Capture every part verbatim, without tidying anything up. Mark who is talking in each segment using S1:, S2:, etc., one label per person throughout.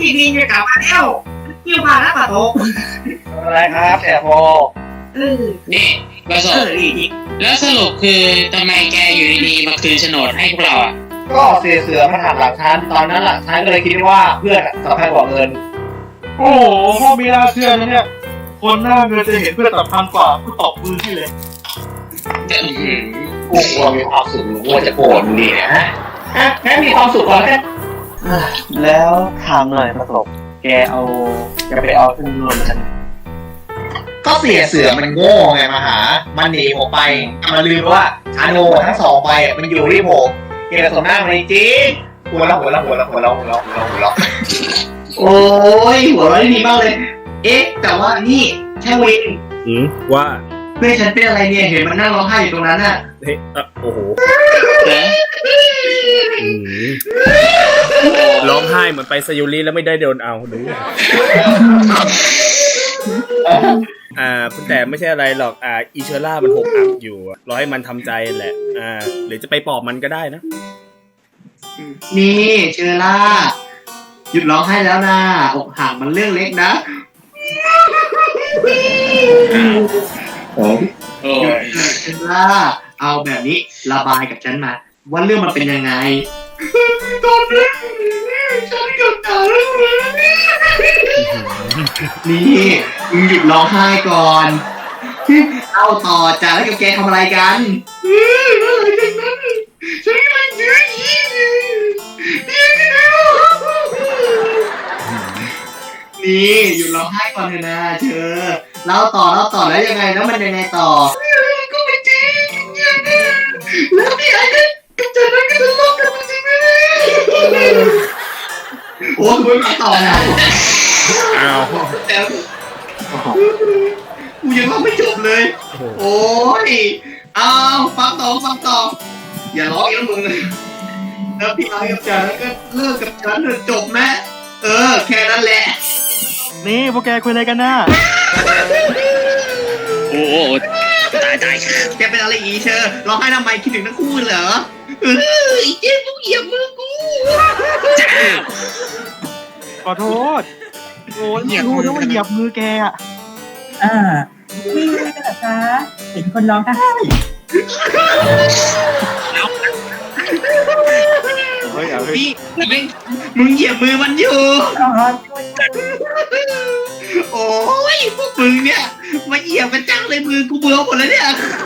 S1: พี่ดินจะกลับมาแล้วเกี่ยวพาแล้วปะโต
S2: อะไรครับแต่โพ
S1: เออ
S3: นี่ประส
S1: เอบ อดีดี
S3: แล้วสรุปคือทำไมแกอยู่ดีๆมาคืนโฉนดให้พวกเราอ่ะ
S2: ก็เสียเสือมาถามหลักฐานตอนนั้นหลักฐานก็เลยคิดว่าเพื่อนสำคัญกว่าเงิน
S4: โอ้โหพ่อมีน่าเชื่อนะเนี่ยคนหน้าเงินจะเห็นเพื่อนสำคัญกว่าก็ตบมือให้เลย
S3: จะอื้อหือ
S2: กูกลัวมีความสุขหรือว่าจะโกรธมึงดีเนี่ยฮะฮะแค่มีความสุขก่อนแค่
S5: แล้วถามหน่อยประสบแกเอาจะไปเอาทุนรวมฉัน
S2: ก็เสียเสือมันโง่ไงมาหา มันหนีผมไปมันลืมว่าชาโนทั้งสองใบมันอยู่ที่ผมเกลียดสมหน้ามันจริงหัวเราะหัวเราะหัวเราะหัวเราะหัวเราะหัวเราะหัวเราะโอ้ยหัวเราะดีมากเลย เอ๊ะแต่ว่านี่แค่วิน
S4: อืมว่า
S2: เพื่อนฉันเป็นอะไรเนี่ยเห็นมันนั่งร้องไห้อยู่ตรงนั้นน่ะ
S4: เฮ้ยอ่ะโอ้โห
S3: เหรอ
S4: อืมร้องไห้เหมือนไปซายูริแล้วไม่ได้โดนเอาหรืออ่าแต่ไม่ใช่อะไรหรอกอ่าอีเชอร่ามันหกอักอยู่รอให้มันทำใจแหละอ่าหรือจะไปปลอบมันก็ได้นะ
S2: นี่เชอร่าหยุดร้องไห้แล้วนะอกหักมันเรื่องเล็กนะ
S3: โอ้
S2: หยุด
S3: ย
S2: เถอะเชอร่าเอาแบบนี้ระบายกับฉันมาว่าเรื่องมันเป็นยังไงตอนนี้ฉันกับตาเรื่องนี่มึงหยุดร้องไห้ก่อนเอาต่อจ้ะแล้วกับแกทำอะไรกันอะไรกันนั้นฉันกำลังยื้อยี้นี่หยุดร้องไห้ก่อนเถอะนะเธอเล่าต่อเล่าต่อแล้วยังไงแล้วมันยังไงต่อก็ไม่จริงแล้วพี่ไอ้กับเจนนั้นก็ทะเลาะกันจริงไหมโอ้คุณไม่ต่อนะ
S4: อ้าว
S2: แต่กูยังเล่าไม่จบเลย โอ้ยเอาฟังต่อฟังต่ออย่าร้องอีกแล้วมึงแล้วพี่ไอ้กับเจนนั้นก็เลิกกับฉันเถอะจบไหมเออแค่นั้นแหละ
S4: นี่พวกแกคุยอะไรกันน่ะ
S3: โอ้โหตายตาย
S2: แกเป็นอะไรอีเชอร์ร้องไห้ทำไมคิดถึงทั้งคู่เหรอเออไอ้เจ๊กูเหยียบมือกู
S3: จ้า
S4: ขอโทษโอ้ยไม่รู้นะว่าเหยียบมือแกอ่ะ
S6: อ่าไม่รู้กันเหรอคะเห็นคนร้องไห้
S4: เฮ้ยเอาเฮ้ย
S2: พี่มึงมึงเหยียบมือมันอยู่
S6: อ๋อช่วยกัน
S2: โอ้ยพวกมึงเนี่ยมาเหยียบกันจังเลยมือกูเบื่อหมดแล้วเนี่ย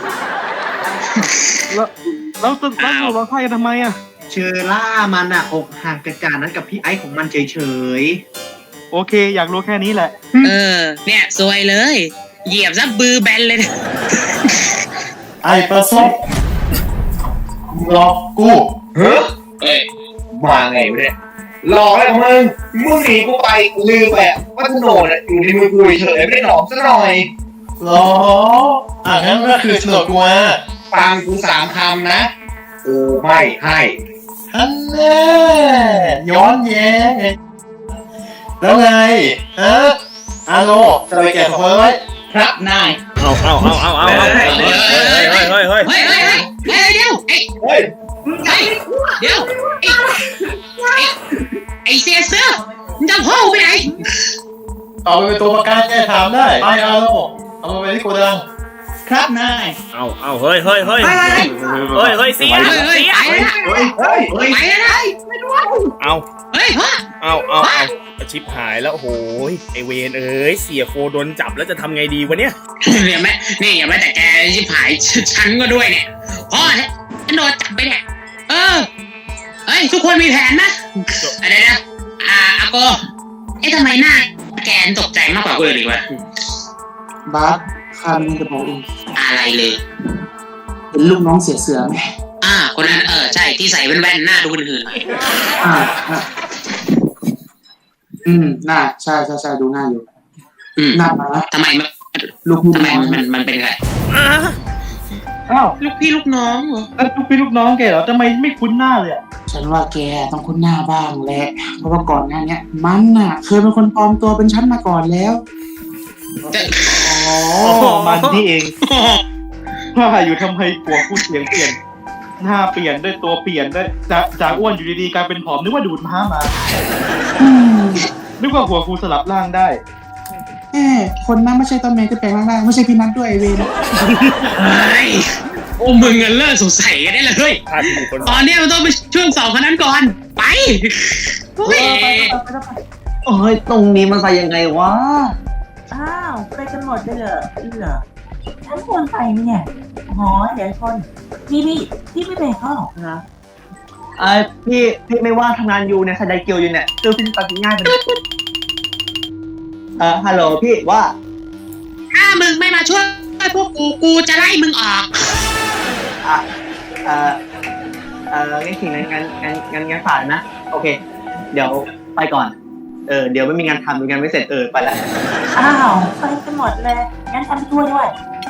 S4: แล้วแล้วตึกแล้วหนูร้องไห้กันทำไมอ่ะ
S2: เชอร่ามันอะอกหักกันจากนั้นกับพี่ไอ้ของมันเฉย
S4: โอเค อยากรู้แค่นี้แหละ
S3: เออเนี่ยซวยเลย เหยียบซะบือแบนเลยนะ
S5: ไอ้ประสบหลอกกู
S2: ๆเฮ้ย
S3: เอ้ย
S2: มาไงวะเนี่ยหลอกอะไรของมึงมึงหนีกูไปลืมไปว่าโฉนดอะอยู่ในมือกูเฉยไม่ได้หลอกซะหน่อย
S5: หรออ่ะงั้นก็คือโฉนดกูมา
S2: ฟังกูสามคำนะกูไม่ให้
S5: ฮันแน่ย้อนแย้งแล้วไงฮะอาโนจะไปแกะของไว้
S3: ครับนาย
S4: เอาเอาเอาเอาเอาเอาเฮ้ยเฮ้ยเฮ้ยเฮ้ยเฮ้ย
S3: เฮ้ยเฮ้ยเฮ้ยเดี๋ยวไอ้
S2: เฮ้ย
S3: ไอ้เดี๋ยวไอ้ไอ้ไอ้เสียเสื้อมึงจะพ่อไปไหน
S5: เอาไปเป็นตัวประกันแกถามได้ไปอาโนเอามาไปที่โกดัง
S3: ครับนาย
S4: เอาเอาเฮ้ยเฮ้ยเฮ้ยเฮ้ยเฮ้ยเสีย
S3: เฮ้ยเฮ้ยไปแล้ว
S2: เฮ้ยเฮ้ยเฮ้ย
S3: ไปแล้ว
S4: เอา
S3: เฮ้ยพ่อ
S4: เอาเอาเอาชิปหายแล้วโอ้โหไอเวนเอ้ยเสียโฟโดนจับแล้วจะทำไงดีวะเนี่ย
S3: เนี่ยแม่นี่อย่าแม้แต่แกชิบหายฉันก็ด้วยเนี่ยพ่อเนี่ยฉันโดนจับไปเนี่ยเออเฮ้ยทุกคนมีแผนนะอะไรนะอ่าอาโกเอ๊ะทำไมหน้าแกนตกใจมากกว่าคนอื่นอีกวะ
S7: บาสข้ามีจะบอกเอง
S3: อะไรเลย
S7: เป็นลูกน้องเสียเสือไหม
S3: อ่าคนนั้นเออใช่ที่ใส่แว่นๆหน้าดูหื่นๆหน่อย
S7: อ่าอ่าอืมหน้าใช่ใช่ใช่ดูหน้าอยู่
S3: อืม
S7: หน้ามา
S3: ทำไมมัน
S7: ลูกพี่
S3: ทำ
S7: ลู
S3: ไม
S7: กน้อง
S3: มันมันเป็นไง
S4: อ้าว
S3: ลูกพี่ลูกน้องเหรอ
S4: แล้วลูกพี่ลูกน้องแกเหรอทำไมไม่คุ้นหน้าเลยอ่ะ
S7: ฉันว่าแกต้องคุ้นหน้าบ้างแหละเพราะว่าก่อนหน้าเนี้ยมันน่ะ เคยเป็นคนปลอมตัวเป็นฉันมาก่อนแล้ว
S3: จะ
S4: อ๋อมันนี่เองว่าอยู่ทำไมผัวพูดเสียงเปลี่ยนหน้าเปลี่ยนด้วยตัวเปลี่ยนด้วยจากจากอ้วนอยู่ดีๆกลายเป็นผอมนึกว่าดูดม้ามา
S7: อืม
S5: นึกว่าหัวกูสลับร่างได้
S7: แหมคนนั้นไม่ใช่ต้นเมย์ที่แปลงร่างได้ไม่ใช่พี่นัทด้วยไอเวน
S3: เฮ้ยโอ้มึงกันเลิกสงสัยกันได้เลย
S4: พาดพิงคน
S3: ตอนเนี้ยมันต้องไปช่วงสองคนนั้นก่อน ไปโอ้ย
S1: โอ้ยตรงนี้มันไปยังไงวะ
S6: อ้าวไปกันหมดเลยเหรออีเหรอฉันควรไปไหมเนี่ยหอเดี๋ยวคนพี่พี่พี่ไม่ไปเข้าหรอกนะ
S1: ไอ้พี่พี่ไม่ว่างทำงานอยู่เนี่ยสไดเกียวอยู่เนี่ยคือพี่ตัดสินง่ายไปเลยเออฮัลโหลพี่ว่า
S3: ถ้ามึงไม่มาช่วยพวกกูกูจะไล่มึงออก
S1: อ่ะเออเอองั้นถึงงั้นงั้นงั้นงั้นงั้นผ่านนะโอเค เดี๋ยวไปก่อนเออเดี๋ยวไม่มีงานทำมีงานไม่เสร็จเออไปละ
S6: อ้าวไปกันหมดเลยงั้นฉันไปช่วยด้วย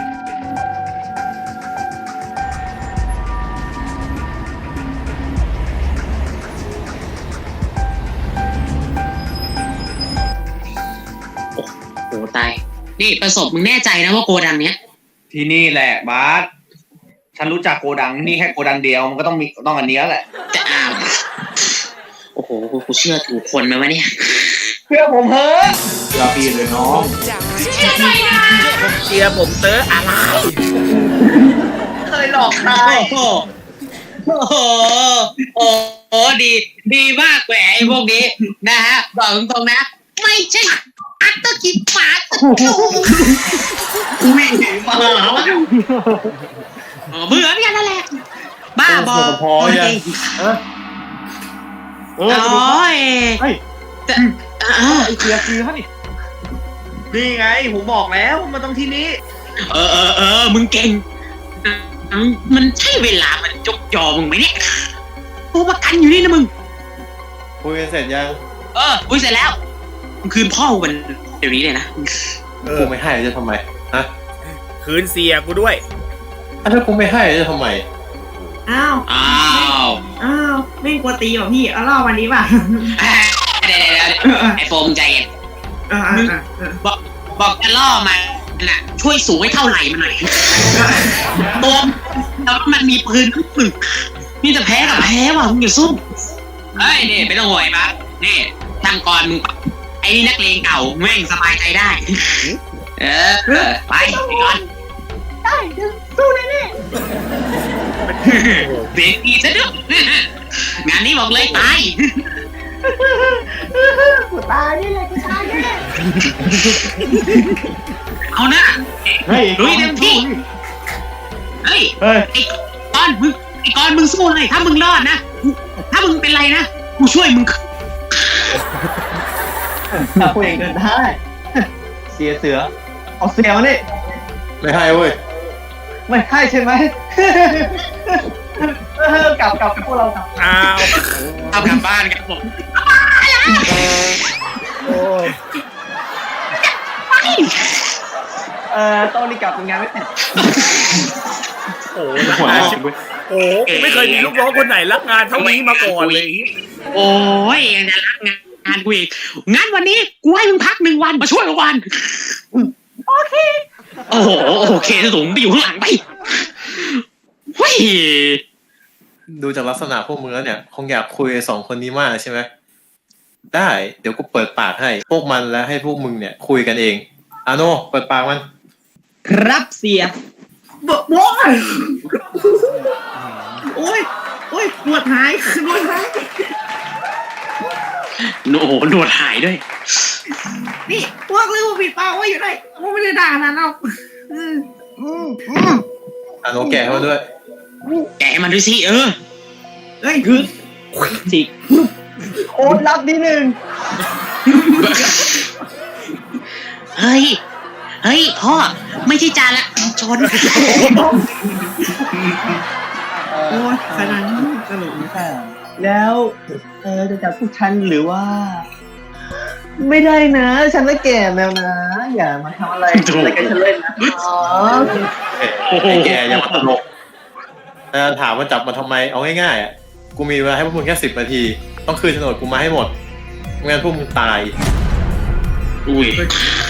S3: โอ้ตายนี่ประสบมึงแน่ใจนะว่าโกดังเนี้ย
S2: ที่นี่แหละบาสฉันรู้จักโกดังนี่แค่โกดังเดียวมันก็ต้องมีต้องอันเนี้ยแหละ
S3: แต่อ้าวโอ้โหกูเชื่อถูกคนไหมวะเนี่ย
S2: เพื่อผมเฮ้ย
S5: เชื่อพี่เลยน้อง
S3: เชื่อหน่อยนะ
S4: เชียร์ผมเตออะไร
S2: เคยหลอกใคร
S3: โอ้โหโอ้โหโอ้โหดีดีมากแหวไอ้พวกนี้นะฮะบอกตรงๆนะ ไม่ใช่อัตตะกิปาตะกูไม่เห็นมาแล้วเหมือนกันนั่นแหละบ้าบอ
S5: พอยัง เออเออ
S3: โอ้ย
S5: เฮ้ย
S3: แต่อ้าว
S5: ไอเสียคือฮะนี่
S2: นี่ไงผมบอกแล้วมันต้องที่นี้
S3: เออเออเออมึงเก่งมันใช่เวลามันจกยอมึงไหมเนี่ยตัวประกันอยู่นี่นะมึง
S5: คุยกันเสร็จยัง
S3: เอออุ้ยเสร็จแล้วมึงคืนพ่อมันเดี๋ยวนี้เลยนะ
S4: เออ
S5: กูไม่ให้จะทำไมฮะ
S4: คืนเสียกูด้วย
S5: อ่ะถ้ากูไม่ให้จะทำไม
S1: อ้าว
S3: อ้าว
S1: อ้าวไม่กลัวตีเหรอพี่เอาเล่าวันนี้ป่ะ
S3: เดี๋ยวเดี๋ยวเดี๋ยวไอ้โฟมใจเย็น
S1: อ่าอ่าอ่า
S3: บอกบอกจะล่อมันน่ะช่วยสูงให้เท่าไหร่มันหน่อยตัวแล้วมันมีปืนทุกมึงนี่จะแพ้กับแพ้ว่ะมึงอย่าสู้เฮ้ยนี่ไม่ต้องห่วงไอ้บัสนี่ทางก่อนมึงไอ้นี่นักเลงเก่าแม่งสบายใจได้ เออไปไปก่อน
S1: ได้สู้แน่
S3: เบรกดีซะด้วยงานนี้บอกเลยตาย
S1: ๆกูตายนี่เลยกูตายแน่
S3: เอานะ
S5: เฮ้ย
S3: ลุยเต็มที่เฮ้ย
S5: เฮ้ย
S3: ไอ้กอนมึงไอ้กอนมึงสู้เลยถ้ามึงรอดนะถ้ามึงเป็นไรนะกูช่วยมึง
S1: ถ้าพูดเองเดินได้เสียเสือเอาเสียมานี่
S5: ไม่ให้เว้ย
S1: ไม่ใช่ใช่ไหมเออกลับกลับกับพวกเรากลับ
S4: อ้าว
S3: เอากลับบ้านกันผม
S4: โอ้ย
S1: เอ่อต้องรีบกลับทำงานไม่เสร็จ
S4: โอ้
S5: หัว
S4: รักงาน
S5: เราะ
S4: ชิบ
S5: เว้ย
S4: โอ้กูไม่เคยมีลูกน้องคนไหนรักงานเท่านี้มาก่อนเลย
S3: โอ้ยยังจะรักงานกูอีกงั้นวันนี้กูให้มึงพักหนึ่งวันมาช่วยวันโอเคโอ้โหโอเคสูงไปอยู่ข้างหลังไปเฮ้ย
S5: ดูจากลักษณะพวกมึงแล้วเนี่ย คงอยากคุยกับสองคนนี้มากใช่ไหม ได้ เดี๋ยวกูเปิดปากให้ พวกมันและให้พวกมึงเนี่ย คุยกันเองอาโนเปิดปากมัน
S1: ครับเสียบอกบอกโอ้ยโอ้ยปวดหายปวดหาย
S3: โอ้โหหนวดหายด้วย
S1: นี่พวกลืมปิดปากไว้อยู่ไหนว่าไม่ได้ด่านะเราอืมอืมอืม
S5: อาโนแกะให้มันด้วย
S3: แกะมันด้วยสิเออ
S1: เฮ้ยคือสิโอ้รับนิดนึง
S3: เฮ้ย เฮ้ยพ่อไม่ใช่จานละชน
S1: โอ้ยขนาดนี้ตลกค่ะแล้วเออจะจับพวกฉันหรือว่า ไม่ได้นะ ฉันไม่แก่แล้วนะ อย่ามาทำอะไรอะไรกันฉันเล่นนะอ๋อ
S5: เอ้ยไอ้แกอย่ามาตลกแต่ถามว่าจับมาทำไม เอาง่ายๆอ่ะ กูมีเวลาให้พวกมึงแค่สิบนาที ต้องคืนโฉนดกูมาให้หมดไม่งั้นพวกมึงตาย
S3: อุ้ย